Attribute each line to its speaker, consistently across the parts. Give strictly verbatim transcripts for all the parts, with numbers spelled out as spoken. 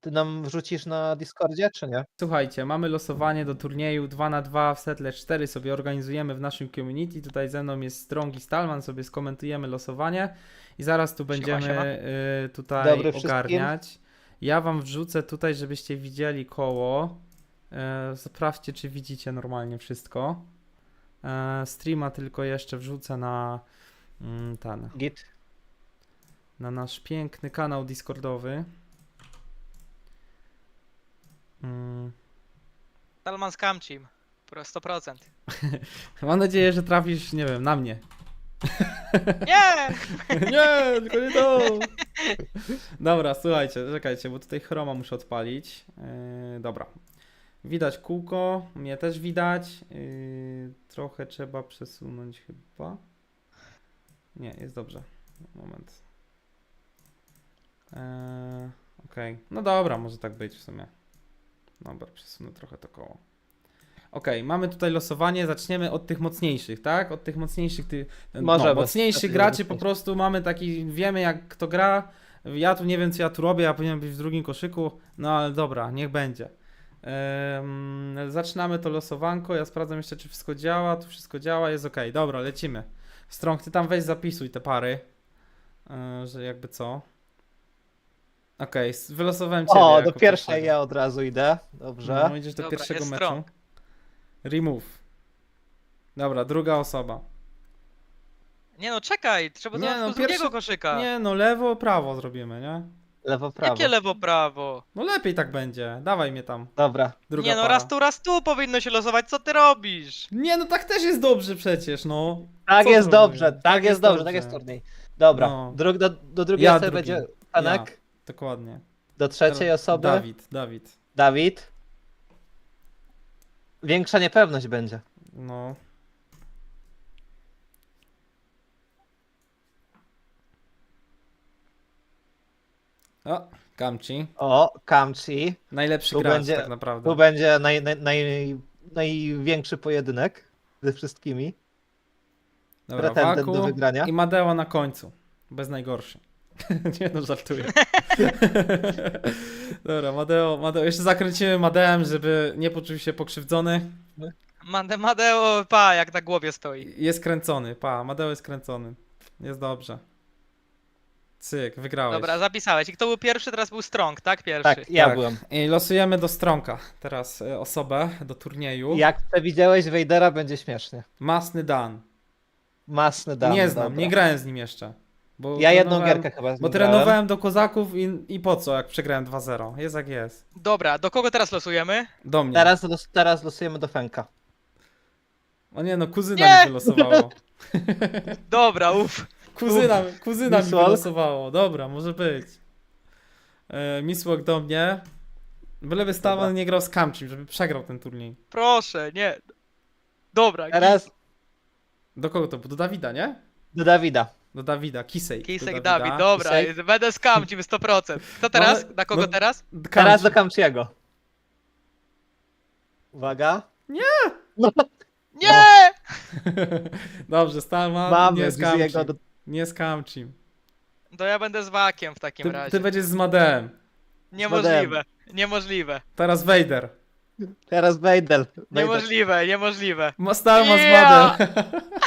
Speaker 1: ty nam wrzucisz na Discordzie, czy nie?
Speaker 2: Słuchajcie, mamy losowanie do turnieju dwa na dwa w Settle cztery, sobie organizujemy w naszym community. Tutaj ze mną jest Strong i Stalman, sobie skomentujemy losowanie i zaraz tu będziemy
Speaker 3: siema.
Speaker 2: y, tutaj
Speaker 1: Dobry wszystkim.
Speaker 2: ogarniać. Ja wam wrzucę tutaj, żebyście widzieli koło. Y, sprawdźcie, czy widzicie normalnie wszystko. Y, streama tylko jeszcze wrzucę na mm, ten,
Speaker 1: Git.
Speaker 2: na nasz piękny kanał Discordowy. Mm.
Speaker 3: Talman z Kamcim. Pro sto procent.
Speaker 2: Mam nadzieję, że trafisz, nie wiem, na mnie.
Speaker 3: Nie!
Speaker 2: Nie, tylko nie to. Dobra, słuchajcie, czekajcie, bo tutaj chroma muszę odpalić. Yy, dobra. Widać kółko, mnie też widać. Yy, trochę trzeba przesunąć chyba. Nie, jest dobrze. Moment. Yy, Okej, okay. No dobra, może tak być w sumie. Dobra, przesunę trochę to koło. Okej, okay, mamy tutaj losowanie, zaczniemy od tych mocniejszych, tak? Od tych mocniejszych, ty, no,
Speaker 1: Możemy.
Speaker 2: mocniejszych graczy po prostu mamy taki, wiemy jak kto gra. Ja tu nie wiem co ja tu robię, ja powinienem być w drugim koszyku, no ale dobra, niech będzie. Ehm, zaczynamy to losowanko, ja sprawdzam jeszcze czy wszystko działa, tu wszystko działa, jest ok, dobra, lecimy. Strong, ty tam weź zapisuj te pary, ehm, że jakby co. Okej, okay, wylosowałem ciebie.
Speaker 1: O,
Speaker 2: jako
Speaker 1: do pierwszej
Speaker 2: pierwszego.
Speaker 1: ja od razu idę. Dobrze.
Speaker 2: No, idziesz do
Speaker 3: Dobra,
Speaker 2: pierwszego
Speaker 3: jest
Speaker 2: meczu.
Speaker 3: Strong.
Speaker 2: Remove. Dobra, druga osoba.
Speaker 3: Nie no, czekaj, trzeba
Speaker 2: Nie
Speaker 3: nie,
Speaker 2: no,
Speaker 3: no, z drugiego
Speaker 2: pierwszy-
Speaker 3: koszyka.
Speaker 2: Nie no, lewo, prawo zrobimy, nie?
Speaker 1: Lewo, prawo.
Speaker 3: Jakie lewo, prawo?
Speaker 2: No lepiej tak będzie. Dawaj mnie tam.
Speaker 1: Dobra.
Speaker 2: Druga
Speaker 3: Nie no,
Speaker 2: para.
Speaker 3: raz tu, raz tu powinno się losować, co ty robisz?
Speaker 2: Nie no, tak też jest dobrze przecież, no.
Speaker 1: Tak
Speaker 2: Co
Speaker 1: jest
Speaker 2: zrobimy?
Speaker 1: dobrze, tak, jest dobrze, tak jest turniej. Dobra,
Speaker 2: No.
Speaker 1: Dru do, do drugiej
Speaker 2: Ja
Speaker 1: osoby
Speaker 2: drugi.
Speaker 1: będzie Panek,
Speaker 2: Ja. Dokładnie.
Speaker 1: do trzeciej
Speaker 2: Teraz
Speaker 1: osoby
Speaker 2: Dawid, Dawid.
Speaker 1: Dawid. Większa niepewność będzie.
Speaker 2: No. O, Kamci.
Speaker 1: O, Kamchi.
Speaker 2: Najlepszy
Speaker 1: Tu
Speaker 2: gracz
Speaker 1: będzie-
Speaker 2: tak naprawdę.
Speaker 1: Tu będzie naj, naj, naj, największy pojedynek ze wszystkimi.
Speaker 2: Dobra,
Speaker 1: pretendent do
Speaker 2: Waku
Speaker 1: wygrania.
Speaker 2: i Madeo na końcu. Bez najgorszy. Nie no, żartuję. Dobra, Madeo, Madeo, jeszcze zakręcimy Madeem, żeby nie poczuł się pokrzywdzony.
Speaker 3: Made, Madeo, pa, jak na głowie stoi.
Speaker 2: Jest kręcony, pa, Madeo jest kręcony. Jest dobrze. Cyk, wygrałeś.
Speaker 3: Dobra, zapisałeś. I kto był pierwszy, teraz był Strong, tak? Pierwszy.
Speaker 1: Tak, ja
Speaker 2: Tak.
Speaker 1: byłem.
Speaker 2: I losujemy do Stronka teraz e, osobę do turnieju.
Speaker 1: Jak przewidziałeś, Wejdera będzie śmiesznie.
Speaker 2: Masny Dan.
Speaker 1: Masny dany.
Speaker 2: nie znam,
Speaker 1: dobra.
Speaker 2: nie grałem z nim jeszcze. Bo
Speaker 1: Ja jedną
Speaker 2: trenowałem-
Speaker 1: gierkę chyba z
Speaker 2: Bo
Speaker 1: nim grałem.
Speaker 2: trenowałem do kozaków i, i po co, jak przegrałem dwa zero. Jest jak jest.
Speaker 3: Dobra, do kogo teraz losujemy?
Speaker 2: Do mnie.
Speaker 1: Teraz, los, teraz losujemy do Fenka.
Speaker 2: O nie no, kuzyna
Speaker 3: Nie!
Speaker 2: mi wylosowało.
Speaker 3: Dobra, uff.
Speaker 2: Kuzyna, kuzyna mi
Speaker 1: Miss Walk?
Speaker 2: wylosowało. Dobra, może być. E, Miss Walk do mnie. Byleby Stalman
Speaker 1: Dobra.
Speaker 2: nie grał z Kamczym, żeby przegrał ten turniej.
Speaker 3: Proszę, nie. Dobra,
Speaker 1: Teraz
Speaker 2: Do kogo to było? Do Dawida, nie?
Speaker 1: do Dawida.
Speaker 2: Do Dawida, Kisej.
Speaker 3: Kisek
Speaker 2: do
Speaker 3: Dawid,
Speaker 2: Dawida.
Speaker 3: dobra,
Speaker 1: Kisek.
Speaker 3: będę skamcił sto procent. Kto teraz?
Speaker 2: No,
Speaker 3: Na kogo
Speaker 2: no-
Speaker 3: teraz?
Speaker 2: Kamczy.
Speaker 1: Teraz do Kamchiego. Uwaga.
Speaker 3: Nie!
Speaker 2: Dobrze, Stalman,
Speaker 1: Mamy
Speaker 2: nie z
Speaker 1: jego
Speaker 2: Kamczym.
Speaker 1: do...
Speaker 2: Nie z Kamczym.
Speaker 3: To ja będę z Wakiem w takim
Speaker 2: Ty,
Speaker 3: razie.
Speaker 2: ty będziesz z Madeem.
Speaker 3: Niemożliwe, niemożliwe.
Speaker 2: Teraz Vader.
Speaker 1: Teraz Wejdel.
Speaker 3: Niemożliwe, niemożliwe.
Speaker 2: Ma Stalman z
Speaker 3: Yeah!
Speaker 2: Madeem.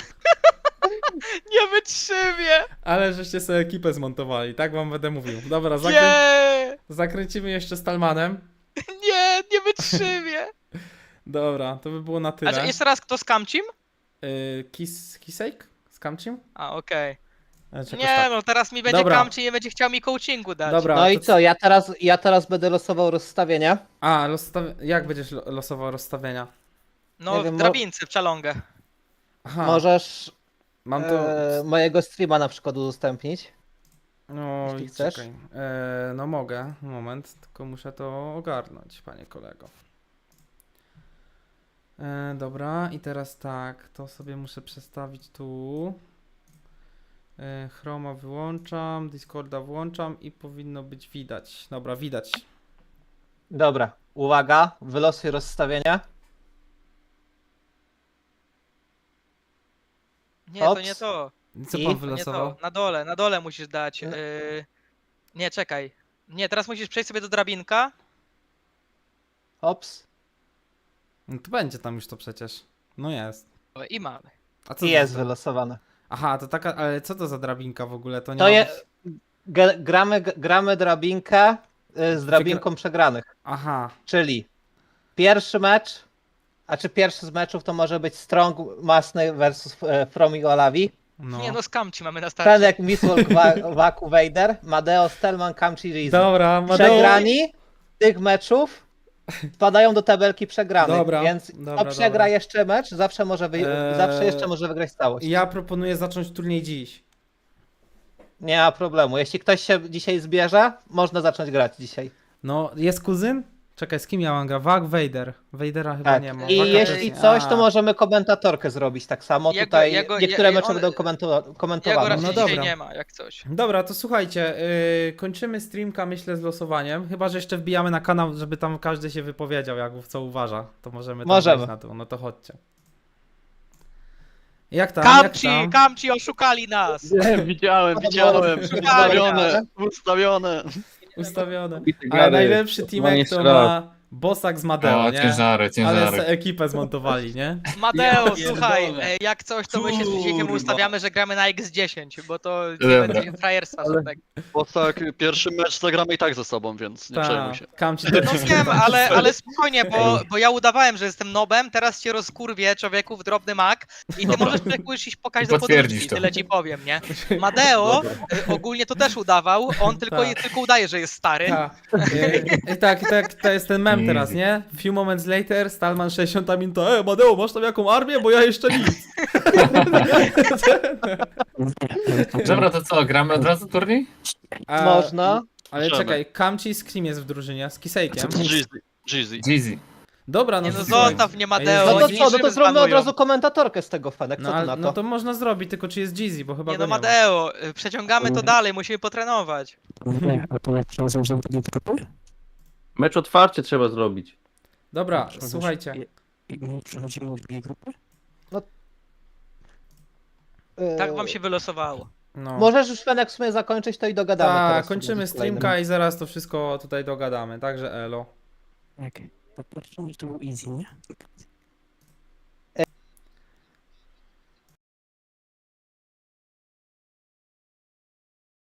Speaker 3: Nie wytrzymię!
Speaker 2: Ale żeście sobie ekipę zmontowali, tak wam będę mówił. Dobra, zakrę...
Speaker 3: Nie!
Speaker 2: zakręcimy jeszcze Stalmanem.
Speaker 3: Nie, nie wytrzymię!
Speaker 2: Dobra, to by było na tyle.
Speaker 3: A czy jeszcze raz kto z Kamcim?
Speaker 2: Yy, Kis... Kisejk? Z Kamczym?
Speaker 3: A, okej.
Speaker 2: E, czy jakoś
Speaker 3: Nie,
Speaker 2: tak.
Speaker 3: no teraz mi będzie
Speaker 2: Dobra.
Speaker 3: Kamci i nie będzie chciał mi coachingu dać.
Speaker 2: Dobra.
Speaker 1: No i
Speaker 2: to-
Speaker 1: co, ja teraz, ja teraz będę losował rozstawienia.
Speaker 2: A, rozstaw... jak będziesz lo- losował rozstawienia?
Speaker 3: No,
Speaker 1: nie wiem,
Speaker 3: w
Speaker 1: mo-
Speaker 3: drabince, w czalongę.
Speaker 2: Aha,
Speaker 1: Możesz
Speaker 2: mam to...
Speaker 1: e, mojego streama na przykład udostępnić.
Speaker 2: No
Speaker 1: jeśli
Speaker 2: i
Speaker 1: chcesz.
Speaker 2: czekaj. E, no mogę, moment, tylko muszę to ogarnąć, panie kolego. E, dobra, i teraz tak, to sobie muszę przestawić tu. E, Chroma wyłączam, Discorda włączam i powinno być widać. Dobra, widać.
Speaker 1: Dobra, uwaga, wylosuj rozstawienia.
Speaker 3: Nie, to
Speaker 1: Ops.
Speaker 3: nie to.
Speaker 2: Co
Speaker 1: I?
Speaker 2: pan
Speaker 1: To
Speaker 3: To nie
Speaker 2: wylosował?
Speaker 3: to. Na dole, na dole musisz dać.
Speaker 1: Nie.
Speaker 3: Yy... Nie, czekaj. Nie, teraz musisz przejść sobie do drabinka.
Speaker 1: Ops.
Speaker 2: No to będzie tam już to przecież. No jest.
Speaker 3: O, i mamy.
Speaker 2: A co
Speaker 1: I
Speaker 2: to
Speaker 1: jest
Speaker 2: za...
Speaker 1: wylosowane.
Speaker 2: Aha, to taka, ale co to za drabinka w ogóle? To nie
Speaker 1: To
Speaker 2: ma
Speaker 1: je,
Speaker 2: być-
Speaker 1: ge- gramy, gramy drabinkę y, z drabinką przegranych.
Speaker 2: Aha,
Speaker 1: Czyli pierwszy mecz, a czy pierwszy z meczów to może być Strong Masny versus e, From i Olavi.
Speaker 2: no.
Speaker 3: Nie no, Skamci mamy na starcie.
Speaker 1: Fenek, Mistwalk, Wa- Waku, Vader, Madeo, Stelman, Kamchi, Rizzi.
Speaker 2: Dobra, Madeo...
Speaker 1: Przegrani tych meczów wpadają do tabelki przegranych,
Speaker 2: Dobra,
Speaker 1: więc
Speaker 2: dobra,
Speaker 1: kto przegra
Speaker 2: dobra.
Speaker 1: jeszcze mecz, zawsze może, wy...
Speaker 2: Eee,
Speaker 1: zawsze jeszcze może wygrać całość.
Speaker 2: Ja proponuję zacząć turniej dziś.
Speaker 1: Nie ma problemu. Jeśli ktoś się dzisiaj zbierze, można zacząć grać dzisiaj.
Speaker 2: No, jest kuzyn? Czekaj, z kim ja mam gra? Wag, Vader. Vadera chyba
Speaker 1: Tak.
Speaker 2: nie ma.
Speaker 1: I
Speaker 2: Waga
Speaker 1: jeśli
Speaker 2: też-
Speaker 1: coś,
Speaker 2: A.
Speaker 1: to możemy komentatorkę zrobić tak samo.
Speaker 3: Ja go-
Speaker 1: Tutaj
Speaker 3: ja go-
Speaker 1: niektóre
Speaker 3: ja-
Speaker 1: mecze
Speaker 3: on-
Speaker 1: będą komentu...
Speaker 3: Ja go
Speaker 1: komentowane.
Speaker 3: raczej
Speaker 2: No
Speaker 3: dzisiaj
Speaker 2: dobra.
Speaker 3: nie ma, jak coś.
Speaker 2: Dobra, to słuchajcie, yy, kończymy streamka myślę z losowaniem, chyba że jeszcze wbijamy na kanał, żeby tam każdy się wypowiedział, jak w co uważa, to możemy tam
Speaker 1: Możemy.
Speaker 2: wejść na to, no to chodźcie. Jak tam, jak
Speaker 3: Kamci,
Speaker 2: tam?
Speaker 3: Kamci oszukali nas!
Speaker 4: Nie, widziałem, widziałem. Ustawione, ustawione.
Speaker 2: Ustawione.
Speaker 5: Bity
Speaker 2: Ale
Speaker 5: gary.
Speaker 2: najlepszy
Speaker 5: Mam
Speaker 2: teamek
Speaker 5: jeszcze
Speaker 2: to
Speaker 5: raz.
Speaker 2: ma Bosak z Madeo,
Speaker 6: O,
Speaker 2: nie?
Speaker 6: ciężary,
Speaker 2: Ale
Speaker 6: ciężary.
Speaker 2: se ekipę zmontowali, nie?
Speaker 3: Mateo,
Speaker 4: Ja
Speaker 3: słuchaj,
Speaker 4: pierdolę.
Speaker 3: e, jak coś, to my się z Krzysikiem
Speaker 4: Kurwa.
Speaker 3: ustawiamy, że gramy na X dziesięć, bo to nie
Speaker 6: Dobra.
Speaker 3: będzie frajerstwa żadnego.
Speaker 4: Bo tak, pierwszy mecz zagramy i tak ze sobą, więc nie
Speaker 2: Ta,
Speaker 4: przejmuj się.
Speaker 2: Kamci
Speaker 3: No
Speaker 2: to
Speaker 3: wiem, ale, ale spokojnie, bo, bo ja udawałem, że jestem nobem, teraz cię rozkurwię, człowieku, w drobny mak i ty możesz człowieku już iść pokazać
Speaker 6: I
Speaker 3: do
Speaker 6: potwierdzić
Speaker 3: podróżki,
Speaker 6: to.
Speaker 3: tyle ci powiem, nie? Madeo e, ogólnie to też udawał, on tylko,
Speaker 2: Tak.
Speaker 3: tylko udaje, że jest stary.
Speaker 2: Ta, e, tak, tak, to jest ten mem teraz, nie? Few moments later, Stalman sześćdziesiąt minuta, e, Madeo, masz tam jaką armię, bo ja jeszcze nic.
Speaker 6: Dobra, to co, gramy od razu turniej?
Speaker 2: A,
Speaker 1: Można.
Speaker 2: Ale
Speaker 4: Możemy.
Speaker 2: czekaj, Kamci z kim jest w drużynie? Z Kisejkiem?
Speaker 4: Jeezy, Jeezy.
Speaker 6: Jeezy.
Speaker 2: Dobra, no
Speaker 3: Nie no,
Speaker 2: to słuchaj.
Speaker 3: zostaw mnie,
Speaker 2: Ej,
Speaker 3: Mateo.
Speaker 1: No to
Speaker 2: Jeezy?
Speaker 1: co, no to
Speaker 3: niczym
Speaker 1: zrobimy od
Speaker 3: zbanują.
Speaker 1: razu komentatorkę z tego, Fenek. Co
Speaker 2: No,
Speaker 1: ty
Speaker 2: ale,
Speaker 1: na to?
Speaker 2: no to można zrobić, tylko czy jest Jeezy, bo chyba
Speaker 3: Nie
Speaker 2: go
Speaker 3: no,
Speaker 2: nie ma.
Speaker 3: Mateo, e, przeciągamy to dalej, musimy potrenować.
Speaker 5: Nie, a to jak przechodzą z drugiej grupy? Mecz otwarcie trzeba zrobić.
Speaker 2: Dobra,
Speaker 5: Przechodzisz-
Speaker 2: słuchajcie.
Speaker 5: I, i my przechodzimy do drugiej grupy?
Speaker 1: Yy,
Speaker 3: Tak wam się wylosowało.
Speaker 2: No.
Speaker 1: Możesz już, Fenek, w sumie zakończyć to i dogadamy
Speaker 2: Tak,
Speaker 1: teraz.
Speaker 2: kończymy
Speaker 1: z kolejnym.
Speaker 2: streamka i zaraz to wszystko tutaj dogadamy, także elo.
Speaker 5: Okej. To pierwszy mecz to był easy, nie?